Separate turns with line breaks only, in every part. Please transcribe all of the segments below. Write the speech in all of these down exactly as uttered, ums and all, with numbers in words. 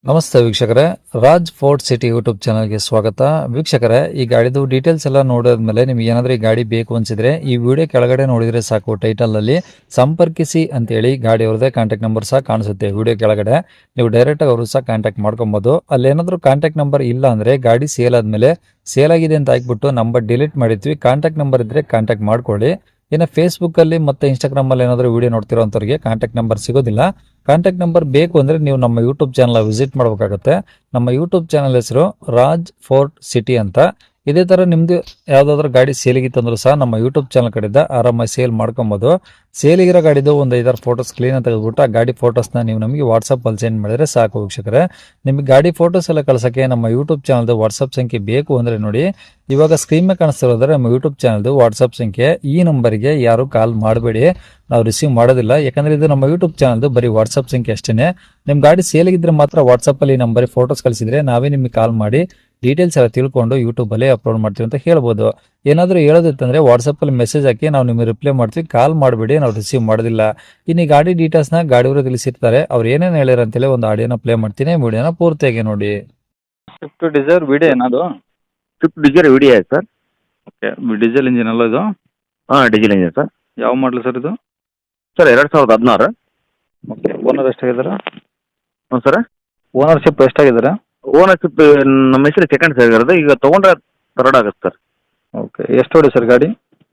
ನಮಸ್ತೆ ವೀಕ್ಷಕರೇ, Raj fort city YouTube ಚಾನಲ್ಗೆ ಸ್ವಾಗತ. ವೀಕ್ಷಕರೇ, ಈ ಗಾಡಿದು ಡೀಟೇಲ್ಸ್ ಎಲ್ಲ ನೋಡಿದ್ಮೇಲೆ ನಿಮ್ಗೆ ಏನಾದರೂ ಈ ಗಾಡಿ ಬೇಕು ಅನ್ಸಿದ್ರೆ ಈ ವಿಡಿಯೋ ಕೆಳಗಡೆ ನೋಡಿದ್ರೆ ಸಾಕು, ಟೈಟಲ್ ಅಲ್ಲಿ ಸಂಪರ್ಕಿಸಿ ಅಂತೇಳಿ ಗಾಡಿ ಅವ್ರದ್ದೇ ಕಾಂಟ್ಯಾಕ್ಟ್ ನಂಬರ್ ಸಹ ಕಾಣಿಸುತ್ತೆ. ವಿಡಿಯೋ ಕೆಳಗಡೆ ನೀವು ಡೈರೆಕ್ಟ್ ಆಗಿ ಅವರು ಸಹ ಕಾಂಟ್ಯಾಕ್ಟ್ ಮಾಡ್ಕೊಬಹುದು. ಅಲ್ಲಿ ಏನಾದರೂ ಕಾಂಟ್ಯಾಕ್ಟ್ ನಂಬರ್ ಇಲ್ಲ ಅಂದ್ರೆ ಗಾಡಿ ಸೇಲ್ ಆದ್ಮೇಲೆ ಸೇಲ್ ಆಗಿದೆ ಅಂತ ಹಾಕ್ಬಿಟ್ಟು ನಂಬರ್ ಡಿಲೀಟ್ ಮಾಡಿರ್ತೀವಿ. ಕಾಂಟ್ಯಾಕ್ಟ್ ನಂಬರ್ ಇದ್ರೆ ಕಾಂಟ್ಯಾಕ್ಟ್ ಮಾಡ್ಕೊಳ್ಳಿ. ಇನ್ನು ಫೇಸ್ಬುಕ್ ಅಲ್ಲಿ ಮತ್ತೆ ಇನ್ಸ್ಟಾಗ್ರಾಮ್ ಅಲ್ಲಿ ಏನಾದರೂ ವಿಡಿಯೋ ನೋಡ್ತಿರೋಂಥವ್ರಿಗೆ ಕಾಂಟ್ಯಾಕ್ಟ್ ನಂಬರ್ ಸಿಗೋದಿಲ್ಲ. ಕಾಂಟ್ಯಾಕ್ಟ್ ನಂಬರ್ ಬೇಕು ಅಂದ್ರೆ ನೀವು ನಮ್ಮ ಯೂಟ್ಯೂಬ್ ಚಾನಲ್ ವಿಸಿಟ್ ಮಾಡಬೇಕಾಗುತ್ತೆ. ನಮ್ಮ ಯೂಟ್ಯೂಬ್ ಚಾನಲ್ ಹೆಸರು ರಾಜ್ ಫೋರ್ಟ್ ಸಿಟಿ ಅಂತ. ಇದೇ ತರ ನಿಮ್ದು ಯಾವ್ದಾದ್ರು ಗಾಡಿ ಸೇಲಿಗಿತ್ತಂದ್ರೂ ಸಹ ನಮ್ಮ ಯೂಟ್ಯೂಬ್ ಚಾನಲ್ ಕಡೆಯಿಂದ ಆರಾಮಾಗಿ ಸೇಲ್ ಮಾಡ್ಕೊಬಹುದು. ಸೇಲಿಗಿರೋ ಗಾಡಿದು ಒಂದು ಐದಾರು ಫೋಟೋಸ್ ಕ್ಲೀನ್ ತೆಗೆದುಬಿಟ್ಟು ಆ ಗಾಡಿ ಫೋಟೋಸ್ನ ನೀವು ನಮಗೆ ವಾಟ್ಸಪ್ ಅಲ್ಲಿ ಸೆಂಡ್ ಮಾಡಿದ್ರೆ ಸಾಕು ವೀಕ್ಷಕರೇ. ನಿಮಗೆ ಗಾಡಿ ಫೋಟೋಸ್ ಎಲ್ಲ ಕಳ್ಸಕ್ಕೆ ನಮ್ಮ ಯೂಟ್ಯೂಬ್ ಚಾನಲ್ದು ವಾಟ್ಸಪ್ ಸಂಖ್ಯೆ ಬೇಕು ಅಂದ್ರೆ ನೋಡಿ, ಇವಾಗ ಸ್ಕ್ರೀನ್ ಮೇಲೆ ಕಾಣಿಸ್ತಿರೋದ್ರೆ ನಮ್ಮ ಯೂಟ್ಯೂಬ್ ಚಾನಲ್ದು ವಾಟ್ಸಪ್ ಸಂಖ್ಯೆ. ಈ ನಂಬರ್ಗೆ ಯಾರು ಕಾಲ್ ಮಾಡಬೇಡಿ, ನಾವು ರಿಸೀವ್ ಮಾಡೋದಿಲ್ಲ. ಯಾಕಂದ್ರೆ ಇದು ನಮ್ಮ ಯೂಟ್ಯೂಬ್ ಚಾನಲ್ದು ಬರೀ ವಾಟ್ಸಪ್ ಸಂಖ್ಯೆ ಅಷ್ಟೇನೆ. ನಿಮ್ ಗಾಡಿ ಸೇಲಿಗಿದ್ರೆ ಮಾತ್ರ ವಾಟ್ಸಪ್ ಅಲ್ಲಿ ನಂಬರ್ ಫೋಟೋಸ್ ಕಳಿಸಿದ್ರೆ ನಾವೇ ನಿಮಗೆ ಕಾಲ್ ಮಾಡಿ ಡೀಟೇಲ್ಸ್ ಎಲ್ಲ ತಿಳ್ಕೊಂಡು ಯೂಟ್ಯೂಬ್ ಅಲ್ಲಿ ಅಪ್ಲೋಡ್ ಮಾಡ್ತೀವಿ ಅಂತ ಹೇಳ್ಬೋದು. ಏನಾದರೂ ಹೇಳೋದಿತ್ತಂದ್ರೆ ವಾಟ್ಸಪ್ ಅಲ್ಲಿ ಮೆಸೇಜ್ ಹಾಕಿ ನಾವು ನಿಮಗೆ ರಿಪ್ಲೈ ಮಾಡ್ತೀವಿ. ಕಾಲ್ ಮಾಡಬೇಡಿ, ನಾವು ರಿಸೀವ್ ಮಾಡೋದಿಲ್ಲ. ಇನ್ನು ಈ ಗಾಡಿ ಡೀಟೇಲ್ಸ್ ನ ಗಾಡಿಯವರು ತಿಳಿಸಿರ್ತಾರೆ, ಅವ್ರು ಏನೇನು ಹೇಳ್ಯಾರ ಅಂತೇಳಿ ಒಂದು ಆಡಿಯೋನ ಪ್ಲೇ ಮಾಡ್ತೀನಿ. ವಿಡಿಯೋನ ಪೂರ್ತಿಯಾಗಿ ನೋಡಿ.
ಸ್ವಿಫ್ಟ್ ಡಿಸೈರ್ ವಿಡಿಯೋ ಏನದು?
ಸ್ವಿಫ್ಟ್ ಡಿಸೈರ್ ವಿಡಿಯೋ ಇದೆ ಸರ್.
ಓಕೆ, ಡೀಸೆಲ್ ಇಂಜಿನ್ ಅಲ್ಲ ಇದು?
ಹಾಂ, ಡೀಸೆಲ್ ಇಂಜಿನ್ ಸರ್.
ಯಾವ ಮಾಡಲು ಸರ್ ಇದು?
ಸರ್ ಎರಡು ಸಾವಿರದ ಹದಿನಾರು.
ಓಕೆ, ಓನರ್ ಎಷ್ಟಾಗಿದ್ದಾರೆ?
ಹ್ಞೂ ಸರ್.
ಓನರ್ಶಿಪ್ ಎಷ್ಟಾಗಿದ್ದಾರೆ?
ಓನರ್ಶಿಪ್ ನಮ್ಮ ಹೆಸರು ಸೆಕೆಂಡ್ ಆಗಿರೋದು, ಈಗ ತೊಗೊಂಡ್ರೆ ಥರ್ಡ್ ಆಗುತ್ತೆ ಸರ್.
ಓಕೆ, ಎಷ್ಟು ಹೊಡಿ ಸರ್ ಗಾಡಿ?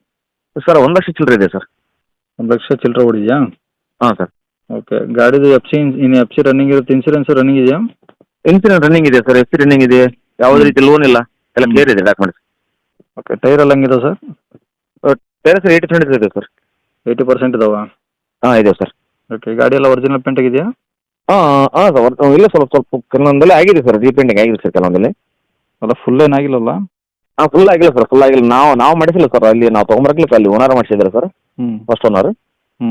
ಸರ್ ಒಂದು ಲಕ್ಷ ಚಿಲ್ಲರೆ ಇದೆ ಸರ್.
ಒಂದು ಲಕ್ಷ ಚಿಲ್ಲರೆ ಹೊಡಿದೆಯಾ?
ಹಾಂ ಸರ್.
ಓಕೆ, ಗಾಡಿದು ಎಫ್ ಸಿ ಇನ್ನು ಎಫ್ ಸಿ ರನ್ನಿಂಗ್ ಇರುತ್ತೆ, ಇನ್ಸೂರೆನ್ಸ್ ರನ್ನಿಂಗ್ ಇದೆಯಾ?
ಇನ್ಸೂರೆನ್ಸ್ ರನ್ನಿಂಗ್ ಇದೆ ಸರ್, ಎಫ್ ಸಿ ರನ್ನಿಂಗ್ ಇದೆ, ಯಾವುದೇ ರೀತಿ ಲೋನ್ ಇಲ್ಲ, ಎಲ್ಲ ಕ್ಲಿಯರ್ ಇದೆ ಡಾಕ್ಯುಮೆಂಟ್ಸ್.
ಓಕೆ, ಟೈರ್ ಎಲ್ಲ ಹಂಗಿದೆ sir?
Tyre sir eighty percent ಇದೆ ಸರ್.
ಏಯ್ಟಿ ಪರ್ಸೆಂಟ್ ಇದಾವ?
ಹಾಂ ಇದೆ ಸರ್.
ಓಕೆ, ಗಾಡಿ ಎಲ್ಲ ಒರಿಜಿನಲ್ ಪೇಂಟ್ ಆಗಿದೆಯಾ?
ಹಾಂ ಹಾಂ ಸರ್, ಇಲ್ಲ ಸ್ವಲ್ಪ ಸ್ವಲ್ಪ ಕೆಲವೊಂದೆಲ್ಲ ಆಗಿದೆ ಸರ್, ರೀಪೇಂಟಿಂಗ್ ಆಗಿದೆ ಸರ್ ಕೆಲವೊಂದಲ್ಲಿ.
ಅಲ್ಲ ಫುಲ್ ಏನಾಗಿಲ್ಲಲ್ಲ?
ಹಾಂ, ಫುಲ್ ಆಗಿಲ್ಲ ಸರ್, ಫುಲ್ ಆಗಿಲ್ಲ. ನಾವು ನಾವು ಮಾಡಿಸಿಲ್ಲ ಸರ್, ಅಲ್ಲಿ ನಾವು ತೊಗೊಂಬರಕ್ಲಿಕ್ಕೆ ಅಲ್ಲಿ ಓನರ್ ಮಾಡಿಸಿದ್ದಾರೆ ಸರ್,
ಹ್ಞೂ
ಫಸ್ಟ್ ಓನರ್.
ಹ್ಞೂ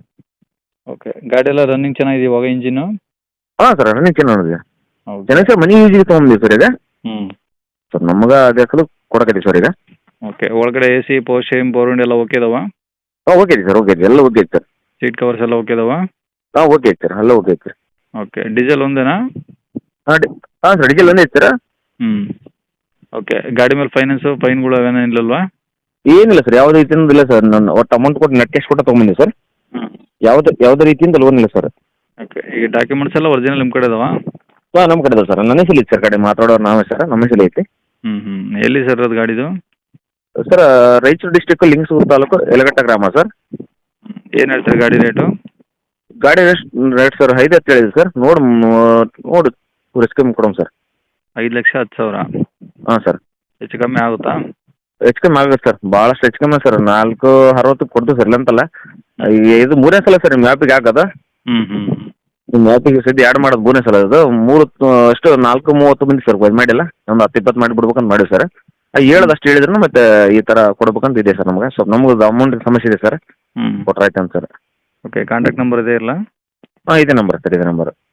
ಓಕೆ, ಗಾಡಿ ಎಲ್ಲ ರನ್ನಿಂಗ್ ಚೆನ್ನಾಗಿದೆ ಇವಾಗ ಇಂಜಿನು?
ಹಾಂ ಸರ್, ರನ್ನಿಂಗ್ ಚೆನ್ನಾಗಿದೆ.
ಹೌದು.
ಚೆನ್ನಾಗಿ ಸರ್, ಮನಿ ಯೂಸಿಗೆ ತೊಗೊಂಡಿದ್ದೀವಿ ಸರ್ ಈಗ.
ಹ್ಞೂ
ಸರ್ ನಮ್ಗೆ ಅದೇ ಸಲ ಕೊಡಕತ್ತೀವಿ ಸರ್ ಈಗ.
ಓಕೆ, ಒಳಗಡೆ A C power steering power window ಎಲ್ಲ ಓಕೆ ಇದಾವ?
ಹಾಂ ಓಕೆ ಐತಿ ಸರ್, ಓಕೆ ಐತಿ, ಎಲ್ಲ ಓಕೆ ಐತಿ ಸರ್.
ಸೀಟ್ ಕವರ್ಸ್ ಎಲ್ಲ ಓಕೆ ಇದಾವ?
ಹಾಂ ಓಕೆ ಐತಿ ಸರ್, ಎಲ್ಲ ಓಕೆ ಐತಿ ಸರ್.
Okay, diesel ಒಂದೇನಾ?
ಹಾಂ ಡಿ ಹಾಂ ಸರ್, ಡೀಸೆಲ್ ಒಂದೇ ಐತಿ ಸರ್.
ಹ್ಞೂ ಓಕೆ, ಗಾಡಿ ಮೇಲೆ ಫೈನಾನ್ಸು ಫೈನ್ಗಳು ಅವೇನೋ ಇಲ್ಲಲ್ವಾ?
ಏನಿಲ್ಲ ಸರ್, ಯಾವುದೇ ರೀತಿಯಿಂದ ಇಲ್ಲ ಸರ್. ನಾನು ಒಟ್ಟು ಅಮೌಂಟ್ ಕೊಟ್ಟು ನೆಟ್ ಕ್ಯಾಶ್ ಕೊಟ್ಟು ತೊಗೊಂಬಂದಿ ಸರ್.
ಹ್ಞೂ
ಯಾವುದೇ ಯಾವುದೇ ರೀತಿಯಿಂದ ಲೋನ್ ಇಲ್ಲ ಸರ್.
ಓಕೆ, ಈಗ ಡಾಕ್ಯುಮೆಂಟ್ಸ್ ಎಲ್ಲ ಒರಿಜಿನಲ್ ನಿಮ್ಮ ಕಡೆ ಇದಾವ?
ಹಾಂ ನಮ್ಮ ಕಡೆ ಇದಾವೆ ಸರ್, ನನ್ನ ಹೆಸರು ಐತಿ ಸರ್, ಗಾಡಿ ಮಾತಾಡೋರು ನಾವೇ ಸರ್, ನಮ್ಮ ಹೆಸರು ಐತಿ.
ಹ್ಞೂ ಹ್ಞೂ ಎಲ್ಲಿ ಸರ್ ಅದು ಗಾಡಿದು?
ಸರ್ ರಾಯಚೂರು ಡಿಸ್ಟಿಕ್ ಲಿಂಗಸೂರು ತಾಲೂಕು ಯಲಗಟ್ಟ ಗ್ರಾಮ ಸರ್.
ಏನು ಹೇಳ್ತಾರೆ ಗಾಡಿ ರೇಟು?
ಗಾಡಿ ಎಷ್ಟು ರೇಟ್ ಸರ್? ಐದು ಹತ್ತು ಹೇಳಿದೆ ಸರ್. ನೋಡಿ ನೋಡಿ ರಿಸ್ಕ್ ಕಮ್ಮಿ ಕೊಡೋಣ ಸರ್.
ಐದು ಲಕ್ಷ ಹತ್ತು ಸಾವಿರ?
ಹಾಂ ಸರ್.
ಹೆಚ್ಚು ಕಮ್ಮಿ ಆಗುತ್ತಾ?
ಹೆಚ್ಚು ಕಮ್ಮಿ ಆಗುತ್ತೆ ಸರ್, ಭಾಳಷ್ಟು ಹೆಚ್ಚು ಕಮ್ಮಿ ಸರ್. ನಾಲ್ಕು ಅರವತ್ತು ಕೊಡ್ತೀವಿ ಸರ್, ಇಲ್ಲ ಅಂತಲ್ಲ. ಈಗ ಇದು ಮೂರನೇ ಸಲ ಸರ್ ನಿಮ್ಮ ಆ್ಯಪಿಗೆ ಹಾಕೋದು.
ಹ್ಞೂ ಹ್ಞೂ
ನಿಮ್ಮ ಆ್ಯಪಿಗೆ ಸದ್ಯ ಆ್ಯಡ್ ಮಾಡೋದು ಮೂರನೇ ಸಲ ಇದು. ಮೂರು ಅಷ್ಟು ನಾಲ್ಕು ಮೂವತ್ತು ಮಂದಿ ಸರ್ ಇದು ಮಾಡಿಲ್ಲ, ಒಂದು ಹತ್ತು ಇಪ್ಪತ್ತು ಮಾಡಿ ಬಿಡ್ಬೇಕಂತ ಮಾಡಿವಿ ಸರ್. ಹೇಳೋದಷ್ಟು ಹೇಳಿದ್ರು ಮತ್ತೆ ಈ ಥರ ಕೊಡ್ಬೇಕಂತ ಇದೆ ಸರ್ ನಮ್ಗೆ. ಸ್ವಲ್ಪ ನಮ್ಗೆ ಅಮೌಂಟ್ ಸಮಸ್ಯೆ ಇದೆ ಸರ್,
ಹ್ಞೂ
ಕೊಟ್ರೆ ಆಯ್ತು ಅಂತ ಸರ್.
ಓಕೆ, ಕಾಂಟ್ಯಾಕ್ಟ್ ನಂಬರ್ ಇದೆ ಇಲ್ಲ?
ಹಾಂ ಇದೇ ನಂಬರ್ ಸರ್, ಇದೇ ನಂಬರ್.